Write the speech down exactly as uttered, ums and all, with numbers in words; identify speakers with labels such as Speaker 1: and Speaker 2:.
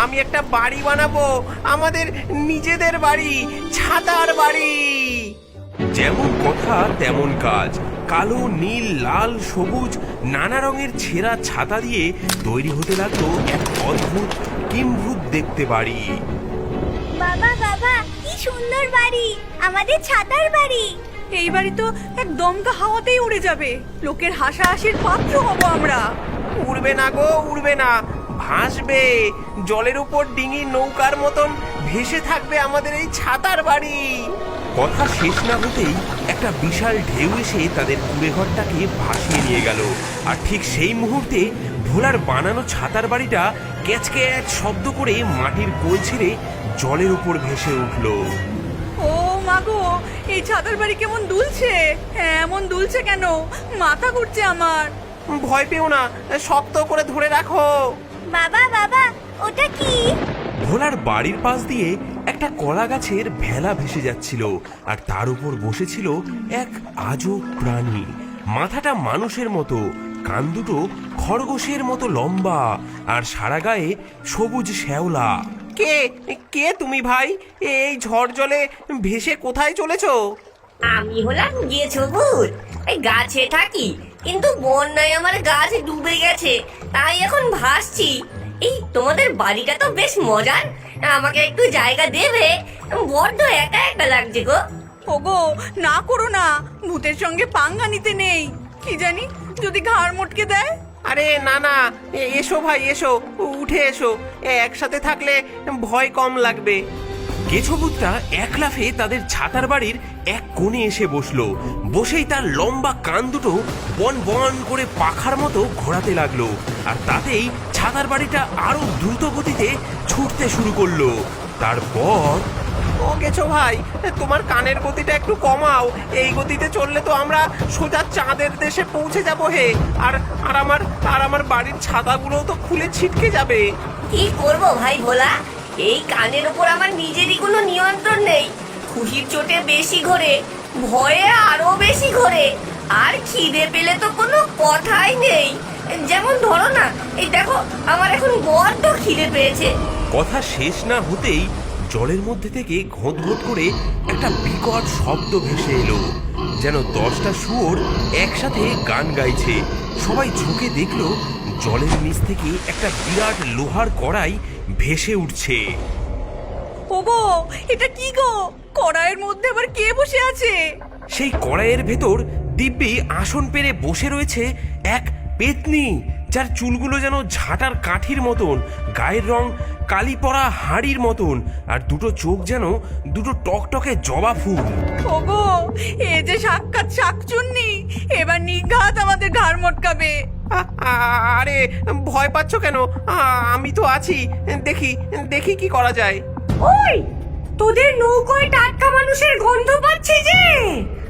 Speaker 1: আমি একটা বাড়ি বানাবো, আমাদের নিজেদের বাড়ি, ছাতার বাড়ি। যেমন কথা তেমন কাজ। কালো, নীল, লাল, সবুজ নানা রঙের ছেঁড়া ছাতা দিয়ে তৈরি হতে লাগলো এক অদ্ভুত কিম্ভূত দেখতে বাড়ি।
Speaker 2: বাবা বাবা, কি সুন্দর বাড়ি, আমাদের ছাতার বাড়ি।
Speaker 3: এই বাড়ি তো এক দমকা হাওয়াতেই উড়ে যাবে, লোকের হাসাহাসির পাত্র হব আমরা।
Speaker 1: উড়বে না গো, উড়বে না, ভাসবে। জলের উপর ডিঙি নৌকার মতন ভেসে থাকবে আমাদের এই ছাতার বাড়ি। কথা শেষ না হতেই একটা বিশাল ঢেউ এসে তাদের কুড়েঘরটাকে ভাসিয়ে নিয়ে গেল। আর ঠিক সেই মুহূর্তে ভোলার বানানো ছাতার বাড়িটা ক্যাচ ক্যাচ শব্দ করে মাটির কোল ছেড়ে জলের উপর ভেসে উঠল।
Speaker 3: ও মাগো, এই ছাতার বাড়ি কেমন দুলছে, হ্যাঁ এমন দুলছে কেন? মাথা ঘুরছে আমার।
Speaker 1: ভয় পেও না, শক্ত করে ধরে রাখো।
Speaker 2: বাবা বাবা, ওটা কি?
Speaker 1: ভোলার বাড়ির পাশ দিয়ে একটা কলা গাছের ভেলা ভেসে যাচ্ছিল, আর তার উপর বসেছিল এক আজব প্রাণী। মাথাটা মানুষের মতো, কান দুটো খরগোশের মতো লম্বা, আর সারা গায়ে সবুজ শ্যাওলা। কে কে তুমি ভাই? এই ঝড় জলে ভেসে কোথায় চলেছো?
Speaker 4: আমি হলাম গেছো ভূত। এই গাছে থাকি, কিন্তু বন্যায় আমার গাছ ডুবে গেছে, তাই এখন ভাসছি। এই তোমাদের বাড়িটা তো বেশ মজার, আমাকে একটু জায়গা দেবে? বড্ড একা একা লাগছে গো।
Speaker 3: ওগো, না করো না, ভূতের সঙ্গে পাঙ্গা নিতে নেই। কি জানি যদি ঘাড় মটকে দেয়।
Speaker 1: আরে না না, এসো ভাই এসো, উঠে এসো, একসাথে থাকলে ভয় কম লাগবে। গেছবুতটা এক লাফে তাদের ছাতার বাড়ির এক কোণে এসে বসলো। বসেই তার লম্বা কান দুটো বন বন করে পাখার মতো ঘোরাতে লাগলো, আর তাতেই ছাতার বাড়িটা আরো দ্রুত গতিতে ছুটতে শুরু করলো। তারপর ও গেছো ভাই, তোমার কানের গতিটা একটু কমাও, এই গতিতে চললে তো আমরা সোজা চাঁদের দেশে পৌঁছে যাবো হে। আর আর আমার আর আমার বাড়ির ছাতাগুলো তো খুলে ছিটকে যাবে।
Speaker 4: কি করবো ভাই ভোলা, এই কানের উপর আমার নিজেরই কোনো নিয়ন্ত্রণ নেই। খুশির চোটে বেশি ঘোরে, ভয়ে আরো বেশি ঘোরে, আর খিদে পেলে তো কোনো কথাই নেই। যেমন ধরো না, এই দেখো আমার এখন বড্ড খিদে পেয়েছে।
Speaker 1: কথা শেষ না হতেই জলের মধ্যে থেকে ঘোঁত ঘোঁত করে একটা বিকট শব্দ ভেসে এলো, যেন দশটা শুয়োর একসাথে গান গাইছে। সবাই ঝুঁকে দেখলো জলের নিচ থেকে একটা বিরাট লোহার কড়াই ভেসে উঠছে।
Speaker 3: ওগো, এটা কি গো? কড়াইয়ের মধ্যে আবার কে বসে আছে?
Speaker 1: সেই কড়াইয়ের ভেতর দিব্যি আসন পেরে বসে রয়েছে এক পেতনি, যার চুলগুলো যেন ঝাঁটার কাঠির মতন, গায়ের রং কালি পড়া হাড়ির মতন, আর দুটো চোখ যেন দুটো টকটকে জবা ফুল।
Speaker 3: ওগো, এ যে সাক্ষাৎ শাকচুন্নি, এবার নিঘাত আমাদের ঘাড় মটকাবে।
Speaker 1: আ- আ- আরে ভয় পাচ্ছ কেন? আ- আমি তো আছি, দেখি দেখি কি করা যায়।
Speaker 4: ওই, তোদের নৌকোয় টাটকা মানুষের গন্ধ পাচ্ছি যে।